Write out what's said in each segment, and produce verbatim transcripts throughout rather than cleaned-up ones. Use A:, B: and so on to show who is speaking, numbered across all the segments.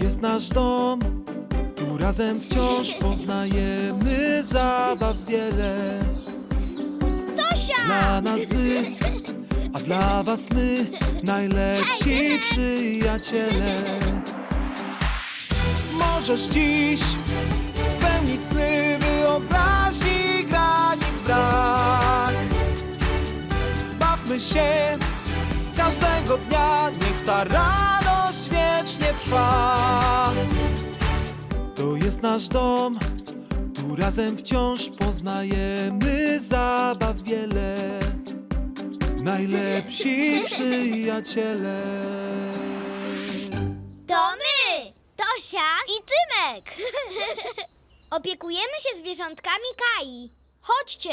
A: jest nasz dom, tu razem wciąż poznajemy zabaw wiele.
B: Tosia!
A: Dla nas wy, a dla was my, najlepsi przyjaciele. Możesz dziś spełnić sny wyobraźni, granic brak. Bawmy się każdego dnia, niech ta radość wiecznie trwa. To jest nasz dom, tu razem wciąż poznajemy zabaw wiele. Najlepsi przyjaciele.
B: To my! Tosia i Tymek! Opiekujemy się zwierzątkami Kai. Chodźcie!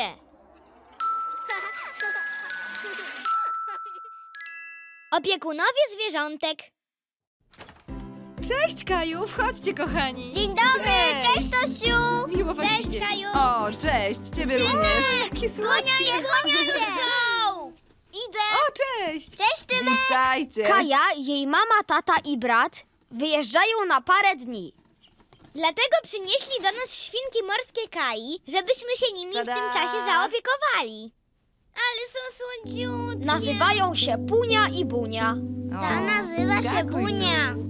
B: Opiekunowie zwierzątek.
C: Cześć, Kaju! Wchodźcie, kochani!
B: Dzień dobry! Cześć, Tosiu!
C: Miło was
B: Cześć,
C: widzieć.
B: Kaju!
C: O, cześć! Ciebie również! Jakie
B: Gonia
C: słodkie!
B: je, gonia je! Są! Idę!
C: O, cześć!
B: Cześć, Tymek!
C: Witajcie!
D: Kaja, jej mama, tata i brat wyjeżdżają na parę dni.
B: Dlatego przynieśli do nas świnki morskie Kai, żebyśmy się nimi
C: Tada!
B: w tym czasie zaopiekowali. Ale są słodziutkie.
D: Nazywają się Punia i Bunia.
C: O,
B: Ta nazywa się
C: skakuj
B: Bunia.
C: tu.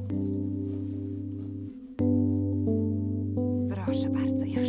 C: Proszę bardzo, już.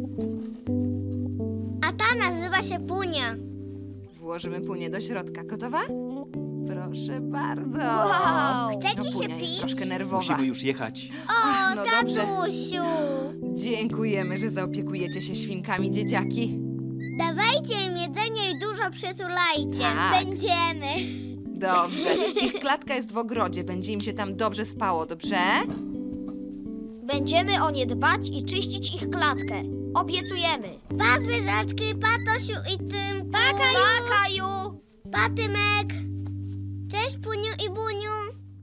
B: A ta nazywa się Punia.
C: Włożymy Punię do środka. Gotowa? Proszę bardzo.
D: Wow.
B: Chcecie
C: No,
B: się
C: Punia jest
B: pić?
C: troszkę nerwowa.
E: Musimy już jechać.
B: O,
C: no dobrze.
B: tatusiu!
C: Dziękujemy, że zaopiekujecie się świnkami, dzieciaki.
B: Dawajcie im jedzenie i dużo przytulajcie.
C: Tak.
B: Będziemy.
C: Dobrze. Ich klatka jest w ogrodzie. Będzie im się tam dobrze spało, dobrze?
D: Będziemy o nie dbać i czyścić ich klatkę. Obiecujemy.
B: Pa, zwierzaczki, pa, Tosiu i Tymku. Pa, Kaju.
D: Pa, Kaju!
B: Pa, Tymek. Cześć, Puniu i Buniu.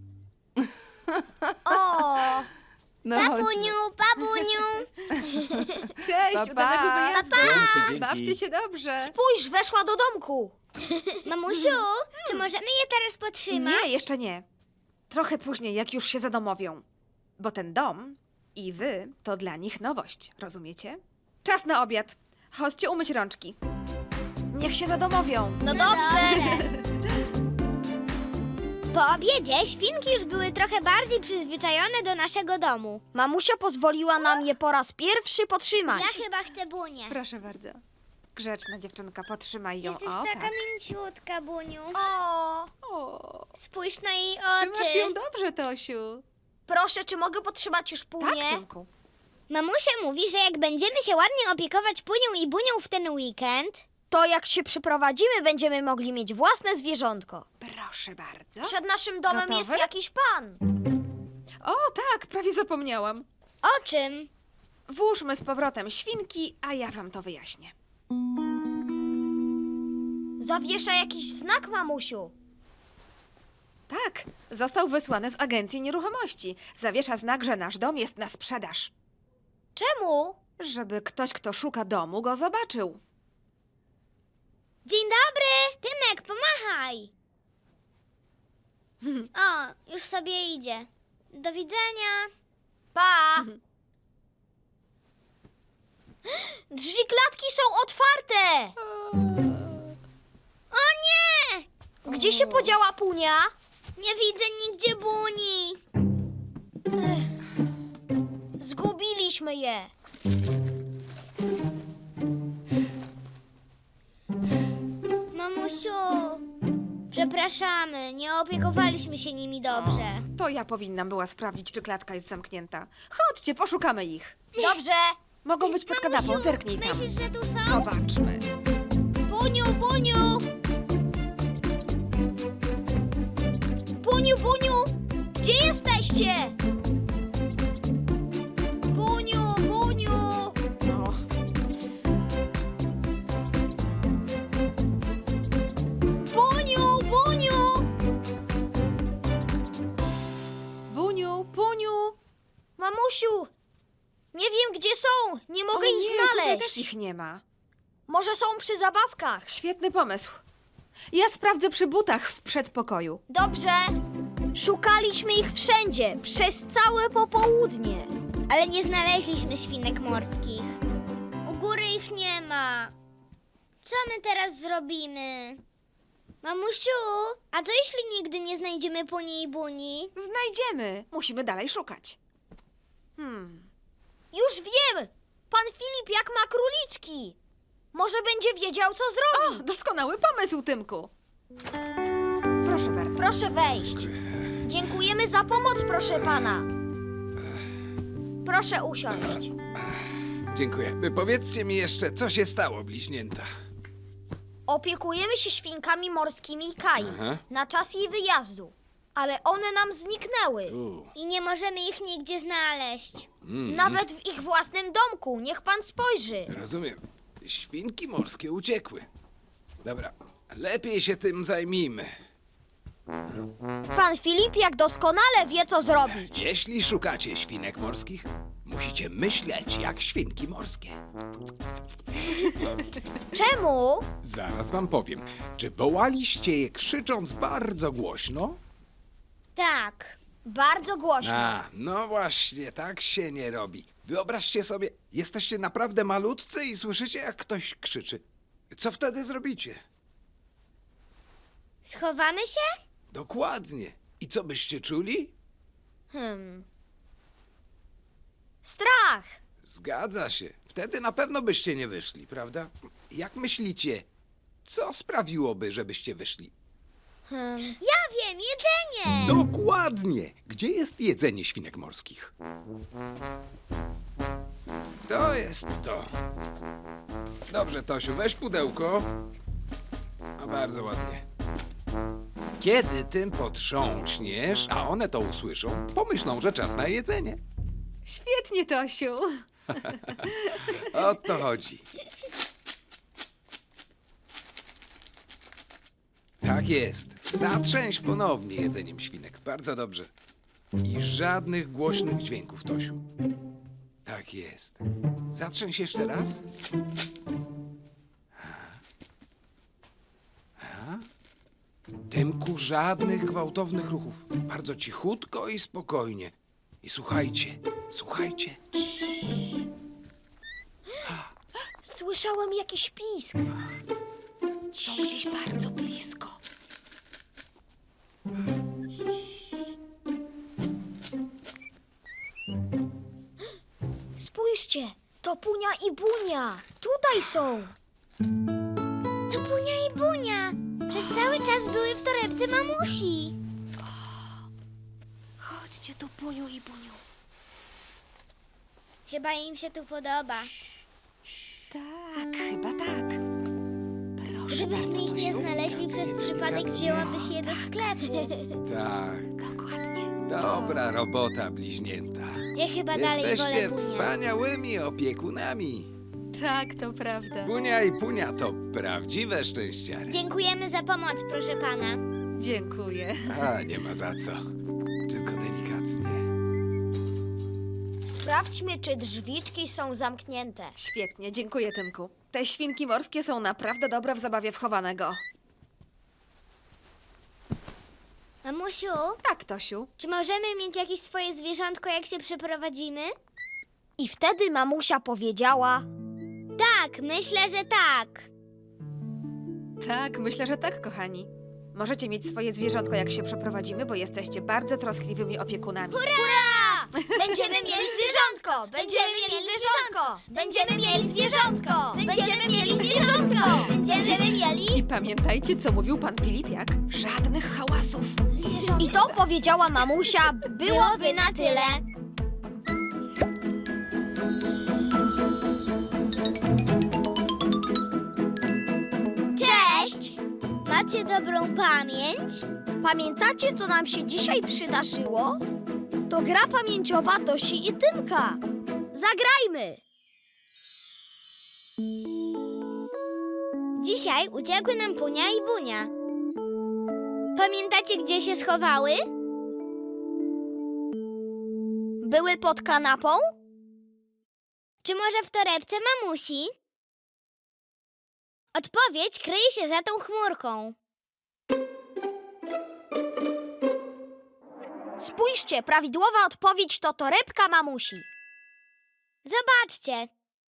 D: O!
C: No,
B: Pa,
C: chodźmy.
B: Puniu, pa, Buniu.
C: Cześć,
D: Pa,
C: udanego
D: pa.
C: wyjazdu.
E: Dzięki, dzięki.
C: Bawcie się dobrze.
D: Spójrz, weszła do domku.
B: Mamusiu, czy możemy je teraz potrzymać?
F: Nie, jeszcze nie. Trochę później, jak już się zadomowią. Bo ten dom i wy to dla nich nowość, rozumiecie? Czas na obiad. Chodźcie umyć rączki. Niech się zadomowią.
D: No dobrze.
B: Po obiedzie świnki już były trochę bardziej przyzwyczajone do naszego domu.
D: Mamusia pozwoliła nam je po raz pierwszy potrzymać.
B: Ja chyba chcę Bunię.
F: Proszę bardzo. Grzeczna dziewczynka, potrzymaj ją.
B: Jesteś
F: o,
B: taka
F: tak.
B: mięciutka, Buniu.
D: O!
C: O,
B: Spójrz na jej
C: trzymasz
B: oczy.
C: ją dobrze, Tosiu.
D: Proszę, czy mogę potrzymać już
F: Tak,
D: Punię?
F: Tymku.
B: Mamusia mówi, że jak będziemy się ładnie opiekować Punią i Bunią w ten weekend,
D: To jak się przeprowadzimy, będziemy mogli mieć własne zwierzątko.
F: Proszę bardzo.
D: Przed naszym domem
F: Gotowe?
D: jest jakiś pan.
F: O, tak, prawie zapomniałam.
B: o czym?
F: Włóżmy z powrotem świnki, a ja wam to wyjaśnię.
D: Zawiesza jakiś znak, mamusiu.
F: Tak, został wysłany z agencji nieruchomości. Zawiesza znak, że nasz dom jest na sprzedaż.
D: Czemu?
F: Żeby ktoś, kto szuka domu, go zobaczył.
B: Dzień dobry! Tymek, pomachaj! O, już sobie idzie. Do widzenia.
D: Pa! Drzwi klatki są otwarte!
B: O nie!
D: Gdzie się podziała Punia?
B: Nie widzę nigdzie Buni.
D: Zgubiliśmy je.
B: Mamusiu, przepraszamy, nie opiekowaliśmy się nimi dobrze.
F: To ja powinnam była sprawdzić, czy klatka jest zamknięta. Chodźcie, poszukamy ich.
D: Dobrze.
F: Mogą być pod kanapą,
B: Mamusiu,
F: zerknij tam.
B: myślisz, że tu są?
F: Zobaczmy.
B: Buniu, Buniu!
D: Puniu, Puniu! Gdzie jesteście? Puniu, Puniu!
F: O,
D: Puniu, Puniu!
F: Buniu, Puniu.
D: Mamusiu, nie wiem gdzie są. Nie mogę
F: o
D: ich
F: nie, tutaj
D: znaleźć.
F: też ich nie ma.
D: Może są przy zabawkach.
F: Świetny pomysł. Ja sprawdzę przy butach w przedpokoju.
D: Dobrze. Szukaliśmy ich wszędzie, przez całe popołudnie.
B: Ale nie znaleźliśmy świnek morskich. U góry ich nie ma. Co my teraz zrobimy? Mamusiu, a co jeśli nigdy nie znajdziemy Puni i Buni?
F: Znajdziemy. Musimy dalej szukać. Hmm.
D: Już wiem! Pan Filip jak ma króliczki. Może będzie wiedział, co zrobić.
F: O, doskonały pomysł, Tymku. Proszę bardzo.
D: Proszę wejść. Dziękujemy za pomoc, proszę pana. Proszę usiąść.
E: Dziękuję. Powiedzcie mi jeszcze, co się stało, bliźnięta?
D: Opiekujemy się świnkami morskimi Kai
E: Aha.
D: na czas jej wyjazdu, ale one nam zniknęły.
E: U,
B: I nie możemy ich nigdzie znaleźć.
E: mm,
D: Nawet w ich własnym domku. Niech pan spojrzy.
E: Rozumiem. Świnki morskie uciekły. Dobra, lepiej się tym zajmijmy.
D: Pan Filip jak doskonale wie, co zrobić.
E: Jeśli szukacie świnek morskich, musicie myśleć jak świnki morskie.
D: Czemu?
E: Zaraz wam powiem. Czy wołaliście je krzycząc bardzo głośno?
B: Tak.
D: Bardzo głośno.
E: A, no właśnie, tak się nie robi. Wyobraźcie sobie, jesteście naprawdę malutcy i słyszycie, jak ktoś krzyczy. Co wtedy zrobicie?
B: Schowamy się?
E: Dokładnie. I co byście czuli?
D: Hmm. Strach.
E: Zgadza się. Wtedy na pewno byście nie wyszli, prawda? Jak myślicie, co sprawiłoby, żebyście wyszli?
D: Hmm.
B: Ja wiem, jedzenie!
E: Dokładnie! Gdzie jest jedzenie świnek morskich? To jest to. Dobrze, Tosiu, weź pudełko. No bardzo ładnie. Kiedy tym potrząśniesz, a one to usłyszą, pomyślą, że czas na jedzenie.
C: Świetnie, Tosiu.
E: O to chodzi. Tak jest. Zatrzęś ponownie jedzeniem świnek. Bardzo dobrze. I żadnych głośnych dźwięków, Tosiu. Tak jest. Zatrzęś jeszcze raz. A. A. Tymku, żadnych gwałtownych ruchów. Bardzo cichutko i spokojnie. I słuchajcie, słuchajcie.
D: Słyszałem jakiś pisk.
F: Są gdzieś bardzo blisko.
D: Spójrzcie, to Punia i Bunia. Tutaj są.
B: To Bunia i Bunia. Przez cały czas były w torebce mamusi.
F: Chodźcie tu, Puniu i Buniu.
B: Chyba im się tu podoba.
F: Tak, chyba tak. Proszę
B: Gdybyśmy
F: bardzo,
B: ich nie
F: Tosiu.
B: znaleźli przez przypadek, wzięłabyś je do sklepu.
E: Tak,
F: Dokładnie.
E: dobra robota, bliźnięta.
B: Ja chyba dalej wolę
E: Jesteście
B: Bunię.
E: wspaniałymi opiekunami.
C: Tak, to prawda.
E: Bunia i Punia to prawdziwe szczęściary.
B: Dziękujemy za pomoc, proszę pana.
C: Dziękuję.
E: A, nie ma za co. Tylko delikatnie.
D: Sprawdźmy, czy drzwiczki są zamknięte.
F: Świetnie, dziękuję, Tymku. Te świnki morskie są naprawdę dobre w zabawie w chowanego.
B: Mamusiu,
F: Tak, Tosiu.
B: czy możemy mieć jakieś swoje zwierzątko, jak się przeprowadzimy?
D: I wtedy mamusia powiedziała:
B: Tak, myślę, że tak.
C: Tak, myślę, że tak, kochani.
F: Możecie mieć swoje zwierzątko, jak się przeprowadzimy, bo jesteście bardzo troskliwymi opiekunami.
D: Będziemy mieli zwierzątko! Będziemy mieli zwierzątko! Będziemy mieli zwierzątko! Będziemy mieli zwierzątko! Będziemy mieli
F: I pamiętajcie, co mówił pan Filipiak. Żadnych hałasów.
D: I to powiedziała mamusia, byłoby na tyle.
B: Cześć! Macie dobrą pamięć?
D: Pamiętacie, co nam się dzisiaj przydarzyło? To gra pamięciowa Tosi i Tymka. Zagrajmy!
B: Dzisiaj uciekły nam Punia i Bunia. Pamiętacie, gdzie się schowały?
D: Były pod kanapą?
B: Czy może w torebce mamusi? Odpowiedź kryje się za tą chmurką.
D: Spójrzcie, prawidłowa odpowiedź to torebka mamusi.
B: Zobaczcie.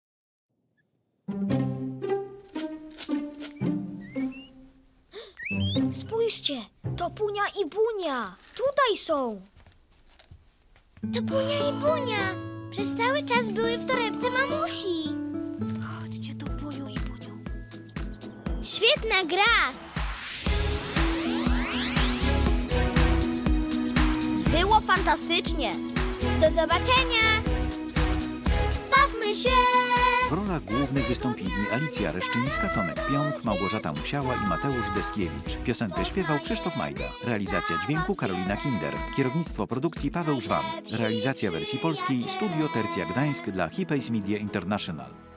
D: Spójrzcie, to Punia i Bunia. Tutaj są.
B: To Bunia i Bunia. Przez cały czas były w torebce mamusi.
D: Chodźcie tu, Buniu i Buniu.
B: Świetna gra.
D: Było fantastycznie.
B: Do zobaczenia. Bawmy się.
G: W rolach głównych wystąpili Alicja Reszczyńska, Tomek Pionk, Małgorzata Musiała i Mateusz Deskiewicz. Piosenkę śpiewał Krzysztof Majda. Realizacja dźwięku Karolina Kinder. Kierownictwo produkcji Paweł Żwan. Realizacja wersji polskiej Studio Tercja Gdańsk dla Hipays Media International.